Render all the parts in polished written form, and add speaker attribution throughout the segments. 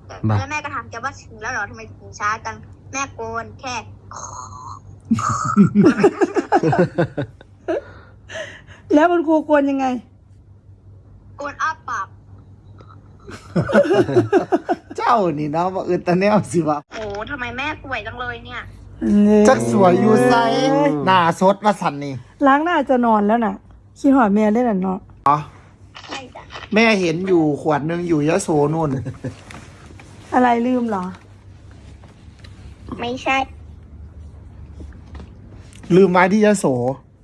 Speaker 1: แล้วแม่ก็ถามแกว่าถึงแล้วเหรอทำไมถึงช้าจังแม่โกนแค่
Speaker 2: แล้วคุณครูควรยังไง
Speaker 1: โกนอ้าปาก
Speaker 3: เจ้านี่เนาะว่าตาแนวสิวะ
Speaker 1: โอ้ทำไมแม่สวยจังเลยเนี่ย
Speaker 3: จักสวยอยู่ไซหน้าสดว่าสันนี่
Speaker 2: ล้างหน้าจะนอนแล้วน่ะคิดหอดแม่ได้หรอเนาะ
Speaker 3: อ๋อ
Speaker 1: ใช่จ้ะ
Speaker 3: แม่เห็นอยู่ขวดหนึ่งอยู่ยะโสนู่น
Speaker 2: อะไรลืมเหรอ
Speaker 1: ไม่ใช่
Speaker 3: ลืมไว้ที่ยะโส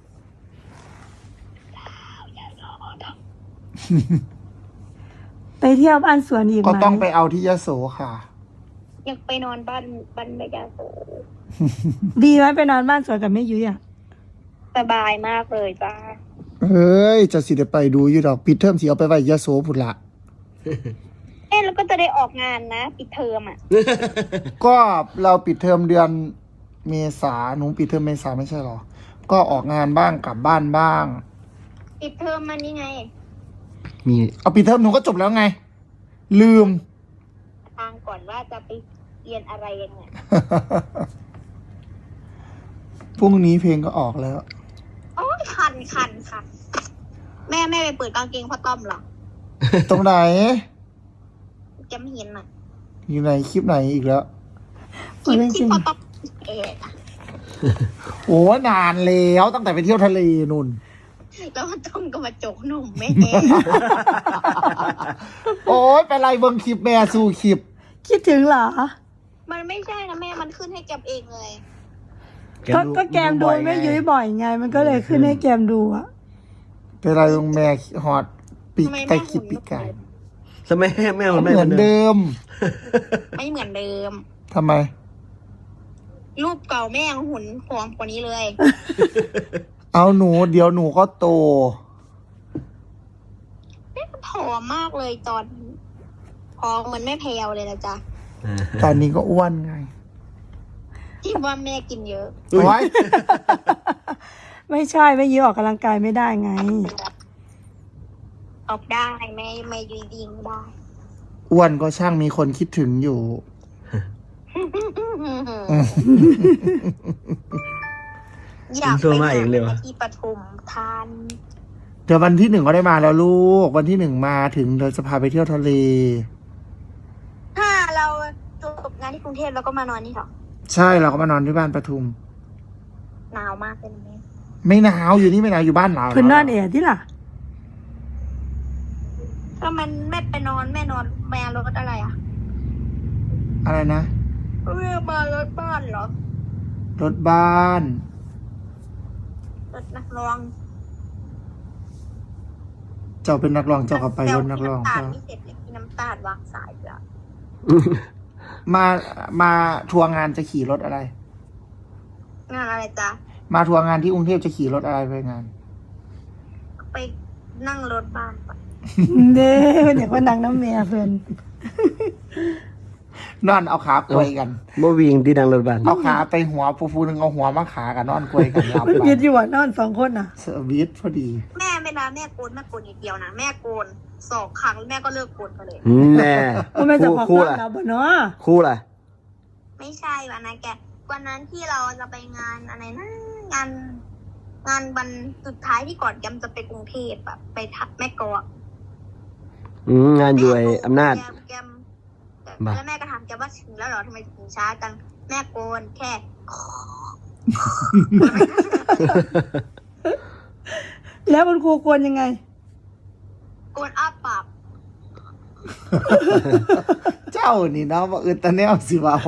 Speaker 2: ไปเที่ยวบ้านสวนอีกไหม
Speaker 3: ก็ต้องไปเอาที่ยะโสค่ะ
Speaker 1: อยากไปนอนบ้านแม่ยาโส
Speaker 2: ดีไหมไปนอนบ้านสวนกับแม่ยุ้ยอ่ะ
Speaker 1: สบายมากเลยจ้า
Speaker 3: เฮ้ยจะสิได้ไปดูอยู่ดอกปิดเทอมสิเอาไปไว้ยะโสพุ่นละ
Speaker 1: แล้วก็จะได้ออกงานนะปิดเทอมอ่ะ
Speaker 3: ก็เราปิดเทอมเดือนเมษาหนูปิดเทอมเมษาไม่ใช่หรอ ก็ออกงานบ้างกลับบ้านบ้าง
Speaker 1: ปิดเทอมมันนี่ไง
Speaker 4: มี
Speaker 3: เอาปิดเทอมหนูก็จบแล้วไง ลืม
Speaker 1: ทางก่อนว่าจะไปเรียนอะไรกันเนี่ย
Speaker 3: พรุ่งนี้เพลงก็ออกแล้ว
Speaker 1: โอ้ยคันค่ะ แม่ไปเปิดกางเกงพ่อต้อมเหรอ
Speaker 3: ตรงไหน
Speaker 1: แกไม่เห็นอ่ะ
Speaker 3: อยู่ในคลิปไหนอีกแล้ว
Speaker 1: คลิปที่พ่อต้อมอะ
Speaker 3: โอ้นานแล้วตั้งแต่ไปเที่ยวทะเลนุ่น
Speaker 1: แล้วพ่อต้อมก็มาโจกหนุ่มแม่
Speaker 3: โอ้ยไปไล่เบิ่งคลิปแม่สู่คลิป
Speaker 2: คิดถึงเหรอ
Speaker 1: มันไม่ใช่นะแม่มันขึ้นให้แกมเองเลย
Speaker 2: ก็แกมดูแม่ยุ้ยบ่อยไง มันก็เลยขึ้นให้แกมดูอ่ะ
Speaker 3: ไปไล่เบิ่งแม่ฮอดปีก
Speaker 1: ทำไม
Speaker 3: ไก่
Speaker 1: แม่
Speaker 3: คลิป
Speaker 1: หุ่น
Speaker 3: ปีกไก่
Speaker 4: สมัยแม่มัน
Speaker 3: เห
Speaker 4: ไม่
Speaker 3: มือนเดิม
Speaker 1: ไม่เหมือนเดิม
Speaker 3: ทำไม
Speaker 1: รูปเก่าแม่ยังหุ่นผอมกว่านี้เลย
Speaker 3: เอาหนูเดี๋ยวหนูก็โต
Speaker 1: แม่ก็ผอมมากเลยตอนผอมเหมือนแม่แพลวเลยนะจ๊ะ
Speaker 3: ตอนนี้ก็อ้วนไง
Speaker 1: ที่ว่าแม่กินเยอะ
Speaker 3: โอ้ย
Speaker 2: ไม่ใช่แม่ยุ้ยออกกำลังกายไม่ได้ไง
Speaker 1: ออกได้แม่ยืนดิงได้
Speaker 3: อ้วนก็ช่างมีคนคิดถึงอยู่
Speaker 1: อยาก
Speaker 4: โทรมาอีกเลยวะ
Speaker 1: ที่ปทุมธานี
Speaker 3: เดี๋ยววันที่1ก็ได้มาแล้วลูก วันที่1มาถึงเราจะพาไปเที่ยวทะเล
Speaker 1: ถ้าเราจบงานที่กรุงเทพแล้วก็มานอนนี่เหรอ
Speaker 3: ใช่เราก็มานอนที่บ้านปทุม
Speaker 1: หนาวมากเลยนะแม่
Speaker 3: ไม่หนาวอยู่นี่ไม่หนาวอยู่บ้านเรา
Speaker 2: เพิ่นนอนเอ๋ที่ล่ะ
Speaker 1: ถ้ามันแม่ไปนอนแม่นอนแม่รถอะไรอ่ะ
Speaker 3: อะไรนะ
Speaker 1: แม่มารถบ้านเหรอ
Speaker 3: รถบ้าน
Speaker 1: รถนักร้อง
Speaker 3: เจ้าเป็นนักร้องเจ้าก็ไปรถนักร้อง
Speaker 1: แต่
Speaker 3: เจ้า
Speaker 1: พี่น้ำตาลไม่เสร็จเลยพี่น้ำตาลวางสายไปแล้ว
Speaker 3: มาทัวร์งานจะขี่รถอะไร
Speaker 1: งานอะไรจ๊ะ
Speaker 3: มาทัวร์งานที่กรุงเทพจะขี่รถอะไรไปงาน
Speaker 1: ไปนั่งรถบ้านไป
Speaker 2: เด้เดี๋ยวก็นังน้ำเมียเพิ่น
Speaker 3: นอนเอาขาป่วยกัน
Speaker 4: บ่วิ่งที่ดังรถบัส
Speaker 3: เอาขาไปหัวฟูๆนึงเอาหัวมาขากันนอนกลวยกันหลับ
Speaker 2: เพิ่น
Speaker 3: ไป
Speaker 2: ยึดอยู่อ่ะนอน2 คนน่ะ
Speaker 3: เซอร์วิสพอดี
Speaker 1: แม่เวลาแม่โกนอย่างเดียวนะแม่โกน2 ครั้งแล้วแม่ก็เลิกโกนไปเลย
Speaker 4: แน่
Speaker 2: ว่าแม่จะขอ
Speaker 4: คู่
Speaker 2: กลับ
Speaker 4: ล่ะ
Speaker 2: เราบ่เนาะ
Speaker 4: คู่ล่ะ
Speaker 1: ไม่ใช่วันนั้นวันนั้นที่เราจะไปงานอะไรนะงานวันสุดท้ายที่ก่อนแกมจะไปกรุงเทพแบบไปทักแม่กอก
Speaker 4: งานอยู่ไอ้อำนาจ
Speaker 1: แกม
Speaker 4: บ้า
Speaker 1: แล้วแม่ก็ถามแกว่าถึงแล้วเหรอทำไมถึงช้าจังแม่โกนแค่
Speaker 2: แล้วคุณครูควรยังไง
Speaker 1: โกนอ้าปาก
Speaker 3: เจ้านี่เนาะว่าตาแนวสิวะโห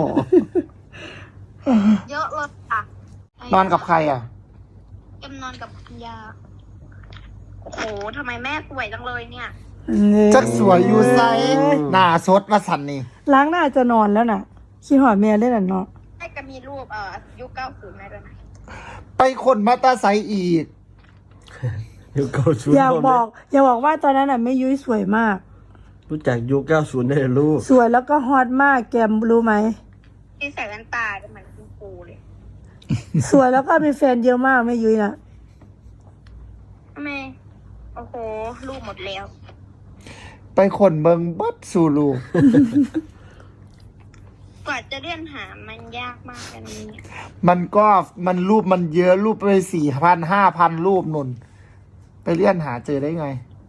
Speaker 1: เยอะเลยค่ะ
Speaker 3: นอนกับใครอ่ะ
Speaker 1: แกมนอนกับคุณยาโอ้โหทำไมแม่สวยจังเลยเนี่ย
Speaker 3: จักสวยอยู่ไซหน้าสดว่าสันนี่
Speaker 2: ล้างหน้าจะนอนแล้วน่ะคิดหอดแม่ได้หรอเนาะ
Speaker 1: ให้ก็มีรูปยุค90ได้ด้วยนะ
Speaker 3: ไปคนมาตาไซอีก
Speaker 4: ยุค90
Speaker 2: อยากบอกว่าตอนนั้นน่ะแม่ยุ้ยสวยมาก
Speaker 4: รู้จักยุค90ได้เลยลูก
Speaker 2: สวยแล้วก็ฮอตมากแกมรู้ไหม
Speaker 1: ที่ใส่แว่นตาก็เหมือนคุณครูเลย
Speaker 2: สวยแล้วก็มีแฟนเยอะมากแม่ยุ้ยน่ะ
Speaker 1: ทำไมโอ้โหรูปหมดแล้ว
Speaker 3: ไปคนเบิงเบิดสู่ลูก
Speaker 1: จะเลื่อนหามันยากมากอันนี้
Speaker 3: มันรูปมันเยอะรูปไป4,000 5,000 รูปนุ่น ไปเลื่อนหาเจอได้ไง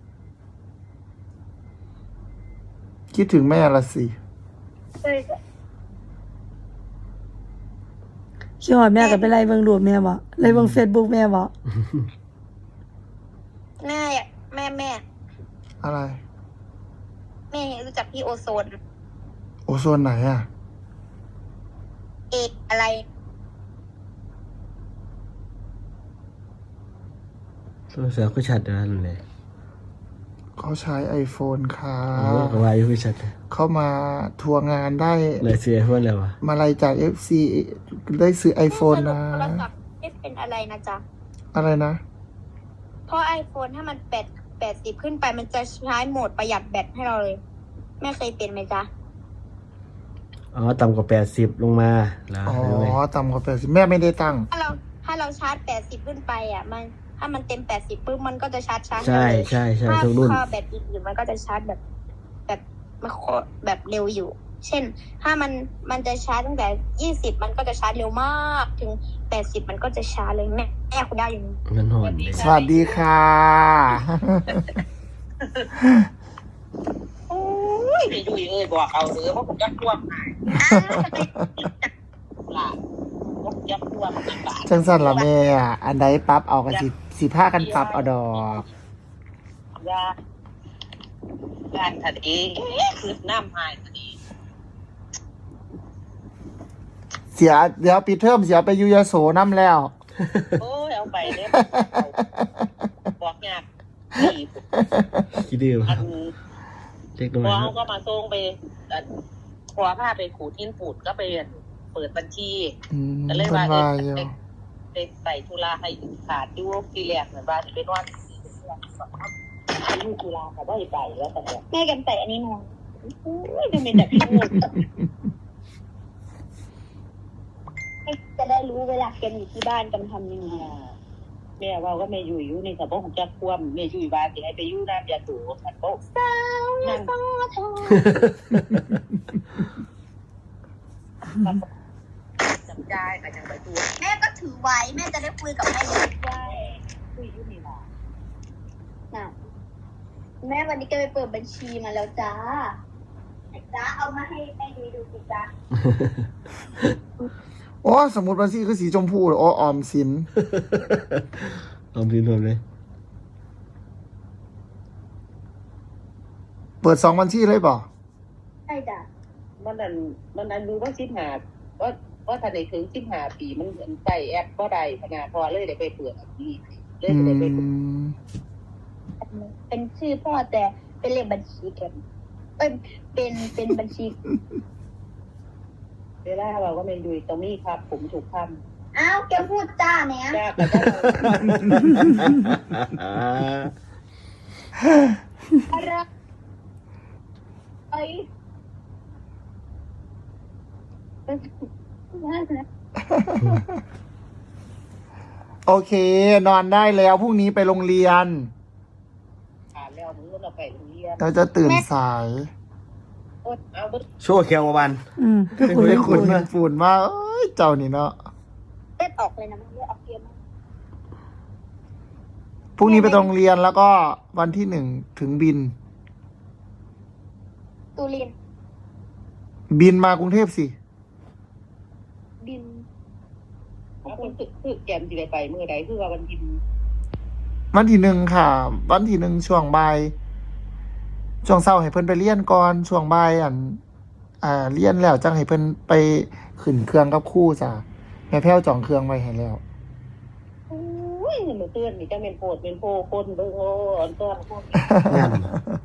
Speaker 3: คิดถึงแม่ละสิ
Speaker 1: เลย
Speaker 2: คิดว่าแม่ก็ไปไล่เบิ่งรูปแม่บ่ไล่เบิ่ง Facebook แม่บ่
Speaker 1: แม่แม่
Speaker 3: อะไร
Speaker 1: แม่รู้จักพี่โอโซน
Speaker 3: โอโซนไหนอ่ะ
Speaker 1: เอกอะไร
Speaker 4: ตัวเสือก็ชัดนะนั่นเลย
Speaker 3: เขาใช้ iPhone ค่ะ
Speaker 4: โอ้ก็ว่าอยู่ก็ชัด
Speaker 3: เข้ามาทัวร์งานได้
Speaker 4: เลยเสียเพื่อนเลยวะ
Speaker 3: มาลัยจาก FC ได้ซื้อ iPhone นะ
Speaker 1: โทรศัพท์ไม่เป็นอะไรนะจ๊ะ
Speaker 3: อะไรนะ
Speaker 1: เพราะ iPhone ถ้ามัน80ขึ้นไปมันจะใช้โหมดประหยัดแบตให้เราเลย แม่เคยเป็นไหมจ๊ะ
Speaker 4: อ๋อต่ำกว่า80ลงมาแล้ว
Speaker 3: อ๋อ
Speaker 4: ใช่ไหม
Speaker 3: ต่ำกว่า80แม่ไม่ได้ตั้ง
Speaker 1: ถ้าเราชาร์จ80ขึ้นไปอ่ะมันถ้ามันเต็ม80ปุ๊บมันก็จะชาร์จ
Speaker 4: ใช่
Speaker 1: เลย
Speaker 4: ใช่ใช่
Speaker 1: ถ้า
Speaker 4: ทุกรุ่น
Speaker 1: แบตอื่นๆมันก็จะชาร์จแบบเร็วอยู่ เช่น ถ้ามันจะชาร์จตั้งแต่20มันก็จะชาร์จเร็วมากถึง80มันก็จะช้าเลยแม่คุณได้อยู่นี่
Speaker 4: เงินหอนเลย
Speaker 3: สวัสดีค่ะ
Speaker 5: โอ้ยไม่ดูเอ้ยบอกเอาเด้อเพราะผมจะควบหายล่ะผมจะควบมันบาท
Speaker 3: จังสันละแม่อะอันใดปั๊บเอากันสิผ้ากันปั๊บเอาดอก
Speaker 5: ยาการทันเองคือน้ำหายทันเอง
Speaker 3: เดี๋ยวปิดเทอมเสียไปอยูยโสน้ำแล้ว
Speaker 5: โอ้ยเอาไปเนี่ยบอกยากดี
Speaker 4: คิดดีวะ
Speaker 5: อัน
Speaker 4: เล็กน้อย
Speaker 5: พอ
Speaker 4: ครั
Speaker 5: เขา
Speaker 4: บ
Speaker 5: ก็มาส่งไปพอผ้าไปขูดทิ้นปูดก็ไปเปิดบัญชี
Speaker 3: อืม
Speaker 5: ก็เลย
Speaker 3: เพิ่น
Speaker 5: ว่า
Speaker 3: ว่าอยู่
Speaker 5: ไปใส่ธุระให้ขาดดูทีแรกเหมือนว่าจะเป็นวันที่ธุระเขาได้ไปแล้วแต่เนี่ย
Speaker 1: แม่กันใส่อันนี้นอนโอ้ยดูเป็นแบบพี่งูจะได้รู้เวลาแกอยู่ที่บ้านกันทำยังไง
Speaker 5: แม่ว่าก็แม่อยู่ในสมองของจักควมแม่อยู่บ้านสิให้ไปอยู่น้ำยาสูบมันโป๊ะนั่งจำได้แต่ยังไปตัว
Speaker 1: แม่ก็ถือไว้แม่จะได้คุยกับแม่ได้
Speaker 5: ได้คุยอยู่นี่ล่ะ
Speaker 1: นะแม่วันนี้ก็ไปเปิดบัญชีมาแล้วจ้าจ้าเอามาให้แม่ดูสิจ้า
Speaker 3: โอ้สมุดบัญชีคือสีชมพูเหรออ๋อออมสิน
Speaker 4: ลองพิมพ์รวมเลย
Speaker 3: เปิด2 บัญชีเลยบ่
Speaker 1: ใช่จ้ะ
Speaker 5: มันนั้นรู้ว่า15ว่าถ้าได้ถึง15ปีมันใส่แอปก็ได้ขนาดพอเลยได้ไปเปิดอันนี้เลย
Speaker 3: อื
Speaker 5: ได้ไปเปิด
Speaker 3: ม
Speaker 1: เป็นชื่อพ่อแต่เป็นเลขบัญชีกันเป็นบัญชี
Speaker 5: เวลาเราก็ไม่ดูตรงนี้ครับผมถูกท
Speaker 1: อ้าวแกพูดจ้าเนี่ย
Speaker 5: ำยากแต่ก็
Speaker 1: อะไรเอ้ย
Speaker 3: โอเค นอนได้แล้วพรุ่งนี้ไปโรงเรียน
Speaker 5: ผ่านแล้วมึงเราไปโรงเรียน
Speaker 3: เราจะตื่นสาย
Speaker 5: เอา
Speaker 4: โชว์แคววัน
Speaker 2: ก็คุย
Speaker 4: ไม่
Speaker 3: คุณฝุ่นมาเอ้ยเจ้านี่เนาะ
Speaker 1: เลือดออกเลยนะมันเลือดออกเยอะมาก
Speaker 3: พรุ่งนี้ไปโรงเรียนแล้วก็วันที่1ถึงบิน
Speaker 1: ตูเรียน
Speaker 3: บินมากรุงเทพสิ
Speaker 1: บิน
Speaker 5: เอาคนตึกแกมสิไปเมื่อใดคือว่าวันกิน
Speaker 3: วันที่1ค่ะ วันที่1ช่วงบ่ายช่วงเช้าให้เพิ่นไปเรียนก่อนช่วงบ่ายเรียนแล้วจังให้เพิ่นไปขึ้นเครื่องกับครู่จ้ะแม่แพ้วจองเครื่องไว้ให้แล้ว
Speaker 5: โอ้ยเมื่อเตือนนี่จะเป็นโพดเป็นโพคนเบิ่งโอ้อันต้นพวก
Speaker 4: งาน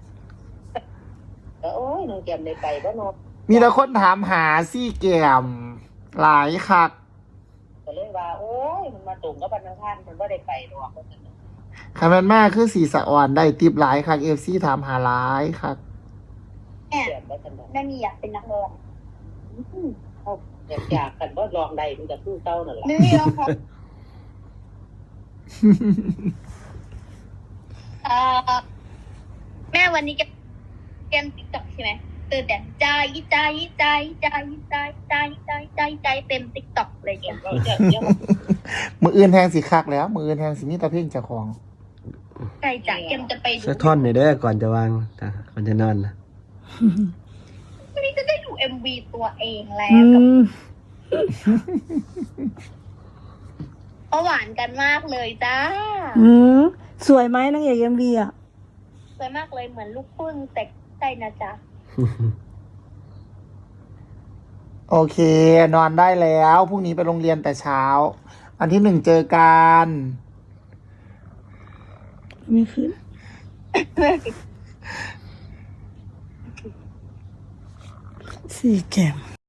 Speaker 5: โอ้ยน้องแกมได้ไปบ่เนาะ
Speaker 3: มีแต่คนถามหาซี่แกมหลายคัก
Speaker 5: ก็เลยว่า โอ้ยมันมาตรงกับวันอังคารมันบ่ได้ไปดอกว่าซั่นน่ะ
Speaker 3: คำนั้นมากคือสีสะอ่อนได้ติบหลายคัก FC ถามหาหลายคัก
Speaker 1: แม่
Speaker 5: แกมว่าซั่นน่ะ
Speaker 1: แม่มีอยากเป็นนักร้อง
Speaker 5: เขาอยากกันบ่ลองได้มันก็คือเก่านั่นล่ะ
Speaker 1: ไม่มีร้องเพราะแม่วันนี้แกมติ๊กต็อกใช่ไหมเแต่ใจเต็มติ๊กต็อกเลยแก
Speaker 5: เราจะยัง
Speaker 3: มืออื่นแทงสิคักแล้ว มืออื่นแทงสิมีแตะเพ่งเจ้าของ
Speaker 1: ใช่จ้ะแกมจะไปดู
Speaker 4: สักท่อนหน่อยเด้อก่อนจะวางก่อนจะนอนนะ
Speaker 1: วันนี้จะได้ดู MV ตัวเองแล้
Speaker 2: อื
Speaker 1: วกับ
Speaker 2: ม
Speaker 1: เขาหวานกันมากเลยจ้า
Speaker 2: อืมสวยไหมนางเอกMVอ่ะ
Speaker 1: สวยมากเลยเหมือนลูกพึ่งแต่ใช่นะจ๊ะ
Speaker 3: โอเค นอนได้แล้วพรุ่งนี้ไปโรงเรียนแต่เช้า อันที่ 1เจอกัน
Speaker 2: ไม่ขึ้นสี่แก้ม